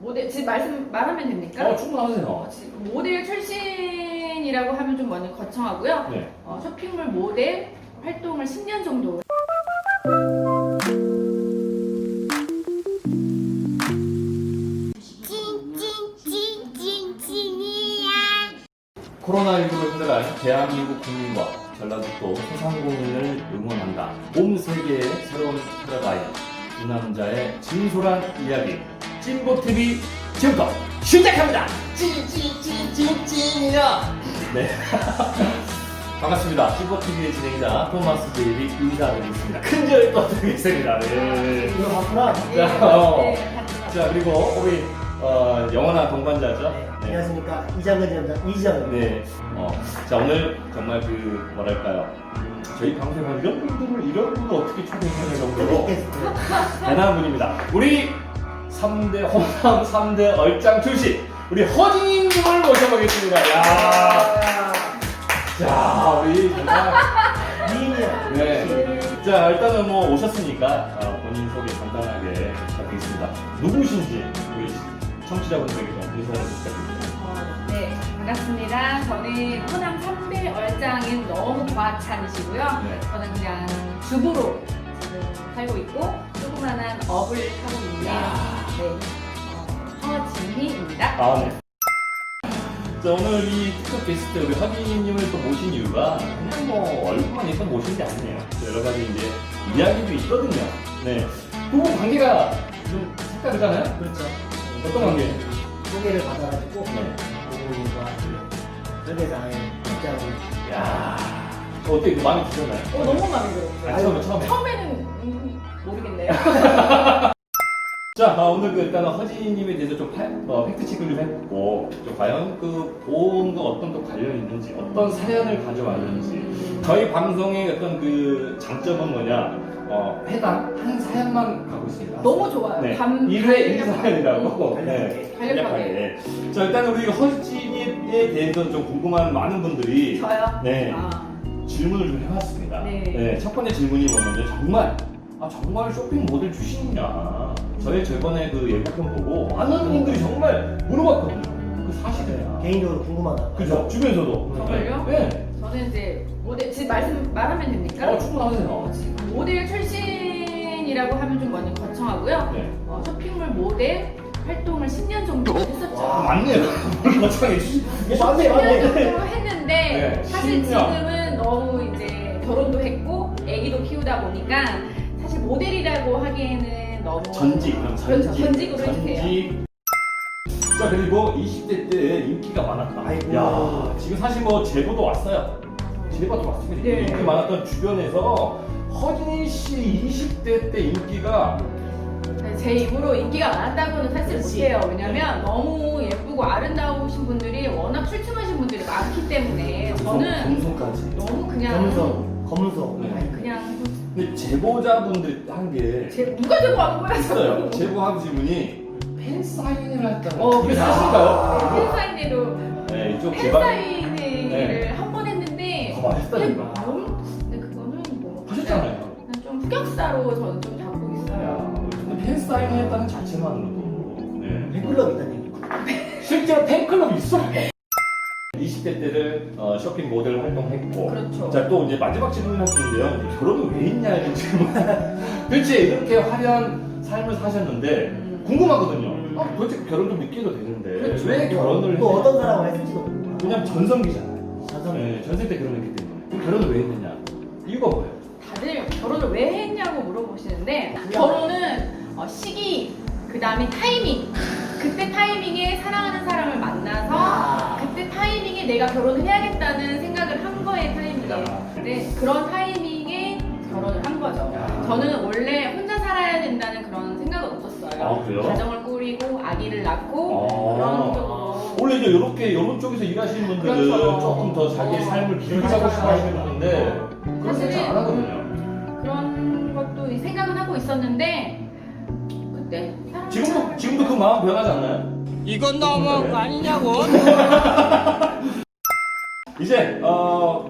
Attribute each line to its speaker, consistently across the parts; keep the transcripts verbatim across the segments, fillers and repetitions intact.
Speaker 1: 모델 지금 말씀 말하면 됩니까?
Speaker 2: 어, 충분하세요.
Speaker 1: 어, 지금 모델 출신이라고 하면 좀 많이 거창하고요.
Speaker 2: 네.
Speaker 1: 어, 쇼핑몰 모델 활동을 십 년 정도.
Speaker 2: 코로나십구로 힘들어할 대한민국 국민과 전라북도 소상공인을 응원한다. 온 세계의 새로운 패러다임. 두 남자의 진솔한 이야기. 찐보티비 지금부터 시작합니다. 찐찐찐찐찐이야. 네. 반갑습니다. 찐보티비의 진행자 토마스 제이비 인사드리겠습니다. 큰절 떠드리겠습니다. 네.
Speaker 3: 이거 봤구나.
Speaker 2: 자, 어.
Speaker 1: 네, 같이
Speaker 2: 자, 그리고 우리 어, 영원한 동반자죠.
Speaker 3: 네. 안녕하십니까. 이장근 연장 이지영입니다.
Speaker 2: 네. 어, 자, 오늘 정말 그, 뭐랄까요. 음, 저희 방송에 한 이런 분들을, 이런 분을 어떻게 초대해야 정도로 대단한 분입니다. 우리 삼 대 호남 삼 대 얼짱 출신, 우리 허진님을 모셔보겠습니다. 야 자, 우리 정말.
Speaker 3: 미인이야.
Speaker 2: 네. 자, 일단은 뭐 오셨으니까 어, 본인 소개 간단하게 부탁드리겠습니다. 누구신지 우리 청취자분들에게 좀 인사를 부탁드립니다.
Speaker 1: 어, 네, 반갑습니다. 저는 호남 삼 대 얼짱인 너무 과찬이시고요.
Speaker 2: 네.
Speaker 1: 저는 그냥 주부로 지금 살고 있고 조그만한 업을 하고 있는
Speaker 2: 야.
Speaker 1: 네, 어, 허진희입니다.
Speaker 2: 아, 네. 자, 오늘 이 특급 게스트 우리 허진님을 또 모신 이유가 그냥 뭐 얼굴만 있어 모신 게 아니에요. 여러 가지 이제 이야기도 있거든요. 네. 두 분 관계가 좀 색다르잖아요?
Speaker 3: 그렇죠.
Speaker 2: 어떤 관계?
Speaker 3: 소개를 받아가지고
Speaker 2: 네.
Speaker 3: 고객님과 설계사의 입장을
Speaker 2: 야 어떻게 그 마음에 드셨나요?
Speaker 1: 어, 너무 마음에 들었어요.
Speaker 2: 아, 처음에, 처음에.
Speaker 1: 처음에는 음, 모르겠네요.
Speaker 2: 자, 아, 오늘 그 일단은 허진님에 대해서 좀 파, 어, 팩트 체크를 좀 해보고, 좀 과연 그 보험과 어떤 또 관련이 있는지, 어떤 사연을 가져왔는지, 저희 방송의 어떤 그 장점은 뭐냐, 어, 회당 한 사연만 가고 있습니다.
Speaker 1: 너무 좋아요.
Speaker 2: 네.
Speaker 1: 감-
Speaker 2: 일 회 일 사연이라고.
Speaker 3: 음,
Speaker 2: 네.
Speaker 1: 간략하게.
Speaker 2: 간략하게. 자, 일단은 우리 허진에 대해서 좀 궁금한 많은 분들이
Speaker 1: 저요?
Speaker 2: 네.
Speaker 1: 아,
Speaker 2: 질문을 좀 해봤습니다.
Speaker 1: 네.
Speaker 2: 첫 번째 질문이 뭐냐면 정말 아 정말 쇼핑 모델 출신이냐? 저희 저번에 그 예고편 보고 많은 분들이 정말 물어봤거든요. 그 사실이냐?
Speaker 3: 개인적으로 궁금하다.
Speaker 2: 그죠? 주변에서도.
Speaker 1: 정말요?
Speaker 2: 네.
Speaker 1: 저는 이제 모델 지금 말씀 말하면 됩니까?
Speaker 2: 어 충분하세요.
Speaker 1: 지금 모델 출신이라고 하면 좀 많이 거창하고요.
Speaker 2: 네.
Speaker 1: 어, 쇼핑몰 모델 활동을 십 년 정도 했었죠.
Speaker 2: 아 맞네요. 거창해 주시.
Speaker 3: 맞네,
Speaker 1: 십 년
Speaker 3: 맞네.
Speaker 1: 정도 했는데
Speaker 2: 네,
Speaker 1: 사실
Speaker 2: 십 년.
Speaker 1: 지금은 너무 이제 결혼도 했고 아기도 키우다 보니까 사실 모델이라고 하기에는 너무
Speaker 2: 전직.
Speaker 1: 그렇죠. 전직으로 해주세요.
Speaker 2: 전직. 자 그리고 이십 대 때 인기가 많았다.
Speaker 3: 아이고.
Speaker 2: 야 지금 사실 뭐 제보도 왔어요. 제보도 왔습니다.
Speaker 1: 네.
Speaker 2: 인기 많았던 주변에서 허진희 씨 이십 대 때 인기가
Speaker 1: 네, 제 입으로 인기가 많았다고는 사실
Speaker 3: 그렇지.
Speaker 1: 못해요. 왜냐면 너무 예쁘고 아름다우신 분들이 워낙 출중하신 분들이 많기 때문에 저는
Speaker 2: 검소까지.
Speaker 1: 너무 그냥
Speaker 3: 검성, 검성.
Speaker 2: 네.
Speaker 1: 아니, 그냥
Speaker 2: 근데 제보자분들 한 게
Speaker 1: 제, 누가 제보하는 거야?
Speaker 2: 있어요. 제보하신 분이 팬 사인회를 했다는.
Speaker 1: 어,
Speaker 2: 그게
Speaker 1: 그래요?
Speaker 2: 사실인가요?
Speaker 1: 팬사인회로
Speaker 2: 네, 이쪽 개발
Speaker 1: 팬사인회를
Speaker 2: 네.
Speaker 1: 한 번 했는데
Speaker 2: 더 맛있다니까.
Speaker 1: 그게 너무- 근데 그거는 뭐
Speaker 2: 하셨잖아요.
Speaker 1: 그냥 좀 흑역사로 저는 좀 잡고 있어요.
Speaker 2: 야, 근데 팬 사인회 했다는 자체만으로도 네.
Speaker 3: 팬클럽 있다는 얘기.
Speaker 2: 실제로 팬클럽이 있어. 이십 대 때를 어, 쇼핑 모델 활동했고,
Speaker 1: 그렇죠.
Speaker 2: 자 또 이제 마지막 질문을 할 텐데요. 이제 결혼을 왜 했냐 이런 질문. 도대체 이렇게 화려한 삶을 사셨는데
Speaker 1: 음.
Speaker 2: 궁금하거든요.
Speaker 3: 음.
Speaker 2: 아, 도대체 결혼 좀 늦게 해도 되는데
Speaker 1: 그렇죠.
Speaker 2: 왜 결혼을
Speaker 3: 또
Speaker 2: 했냐?
Speaker 3: 어떤 사람과 했을지도 모르고.
Speaker 2: 왜냐면 전성기잖아요.
Speaker 3: 전성.
Speaker 2: 네, 전세 때 결혼했기 때문에. 그럼 결혼을 왜 했느냐? 이유가 뭐예요?
Speaker 1: 다들 결혼을 왜 했냐고 물어보시는데 결혼은 어, 시기, 그 다음에 타이밍, 그때 타이밍에 사랑하는 사람을 만나서
Speaker 3: 아.
Speaker 1: 그때 타이밍에 내가 결혼을 해야겠다는 생각을 한 거에 타이밍이에요.
Speaker 2: 야.
Speaker 1: 근데 그런 타이밍에 결혼을 한 거죠.
Speaker 2: 야.
Speaker 1: 저는 원래 혼자 살아야 된다는 그런 생각은 없었어요.
Speaker 2: 아, 그래요?
Speaker 1: 가정을 꾸리고 아기를 낳고
Speaker 2: 아.
Speaker 1: 그런 쪽으로.
Speaker 2: 원래 이제 이렇게 이런 쪽에서 일하시는 분들은
Speaker 1: 그렇죠.
Speaker 2: 조금 더 자기의
Speaker 1: 어.
Speaker 2: 삶을 길게 하고 싶어 하시는 분인데 그런 생각 안 하거든요.
Speaker 1: 그런 것도 생각은 하고 있었는데 그때 사람
Speaker 2: 지금도 지금도 그 마음 변하지 않나요?
Speaker 4: 이건 너무한 거 아니냐고.
Speaker 2: 이제 어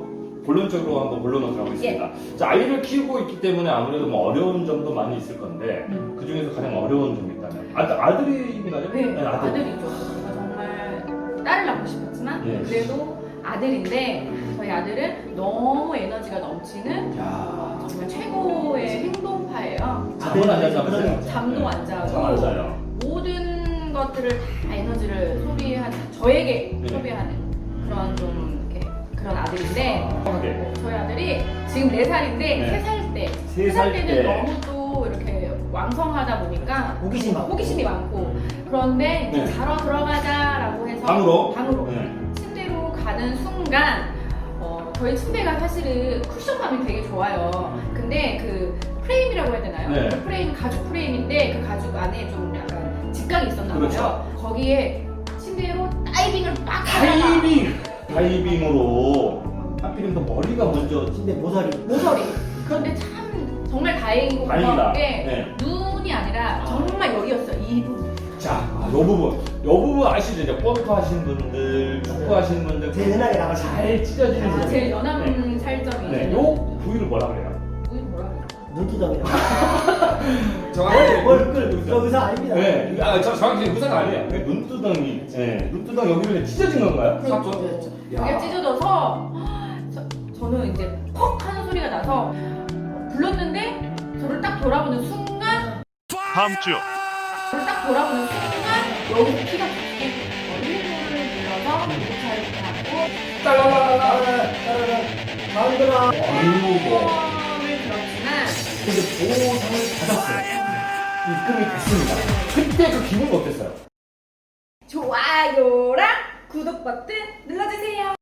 Speaker 2: 본론적으로 한번 본론을 가보겠습니다. 자, 아이를 키우고 있기 때문에 아무래도 뭐 어려운 점도 많이 있을 건데
Speaker 1: 음.
Speaker 2: 그 중에서 가장 어려운 점이 있다면 아들 아들인가요?
Speaker 1: 네,
Speaker 2: 아들.
Speaker 1: 아들이죠. 제가 정말 딸을 낳고 싶었지만
Speaker 2: 예.
Speaker 1: 그래도 아들인데 저희 아들은 너무 에너지가 넘치는
Speaker 2: 야,
Speaker 1: 정말 최고의 행동파예요.
Speaker 2: 잠은 안 자서
Speaker 3: 그러네요.
Speaker 1: 잠도 안 자고
Speaker 2: 잠안 자요.
Speaker 1: 모든 것들을 다 에너지를 소비한 저에게
Speaker 2: 네.
Speaker 1: 소비하는 그런 좀 이렇게 그런 아들인데
Speaker 2: 아, 네.
Speaker 1: 어, 저희 아들이 지금 네 살인데
Speaker 2: 네.
Speaker 1: 세 살 때,
Speaker 2: 세
Speaker 1: 세 살
Speaker 2: 살
Speaker 1: 때는
Speaker 2: 때.
Speaker 1: 너무 또 이렇게 왕성하다 보니까
Speaker 3: 호기심 많고.
Speaker 1: 호기심이 많고 그런데 이제
Speaker 2: 네.
Speaker 1: 자러 들어가자라고 해서
Speaker 2: 방으로?
Speaker 1: 방으로
Speaker 2: 네.
Speaker 1: 침대로 가는 순간 어, 저희 침대가 사실은 쿠션감이 되게 좋아요. 근데 그 프레임이라고 해야 되나요?
Speaker 2: 네.
Speaker 1: 그 프레임 가죽 프레임인데 그 가죽 안에 좀 약간 직각이 있었나 봐요.
Speaker 2: 그렇죠.
Speaker 1: 거기에 침대로 다이빙을 빡 하다가
Speaker 2: 다이빙! 다이빙으로 하필이면 또 머리가 먼저
Speaker 3: 침대 모서리.
Speaker 1: 모서리. 그런데 참 정말 다행이고
Speaker 2: 다행이다.
Speaker 1: 고마운 게
Speaker 2: 네.
Speaker 1: 눈이 아니라 정말 여기였어요. 이 부분.
Speaker 2: 자, 아, 요 부분. 요 부분 아시죠? 이제 골프 하시는 분들, 축구 하시는 분들
Speaker 3: 제일 흔하게 나가죠.
Speaker 2: 잘 찢어지는
Speaker 1: 아,
Speaker 2: 부분.
Speaker 1: 제일 연한
Speaker 2: 네.
Speaker 1: 살점이.
Speaker 2: 네, 요 부위를 뭐라 그래요?
Speaker 1: 우리 뭐라 그래요?
Speaker 3: 눈두덩이라.
Speaker 2: 정확히
Speaker 3: 뭘 끌? 저 의사 아닙니다.
Speaker 2: 네, 아, 저 정확히 의사가 아니에요. 그 눈두덩이. 네, 눈두덩이 여기를 찢어진 건가요?
Speaker 1: 그렇죠.
Speaker 2: 사건?
Speaker 1: 그렇죠.
Speaker 2: 야.
Speaker 1: 그게 찢어져서 저, 저는 이제 퍽 하는 소리가 나서 불렀는데 저를 딱 돌아보는 순간
Speaker 4: 다음 주
Speaker 1: 저를 딱 돌아보는 순간 여기서 피가 tus고 일부를 눌러서 교차를 하고
Speaker 2: 딸라라라라.
Speaker 3: 마음들아.
Speaker 2: 아이고.
Speaker 1: 보험을 들었지만
Speaker 2: 근데 보상을 받았어요. 입금이 됐습니다. 그때 그 기분 어땠어요?
Speaker 1: 좋아요랑 구독 버튼 눌러주세요.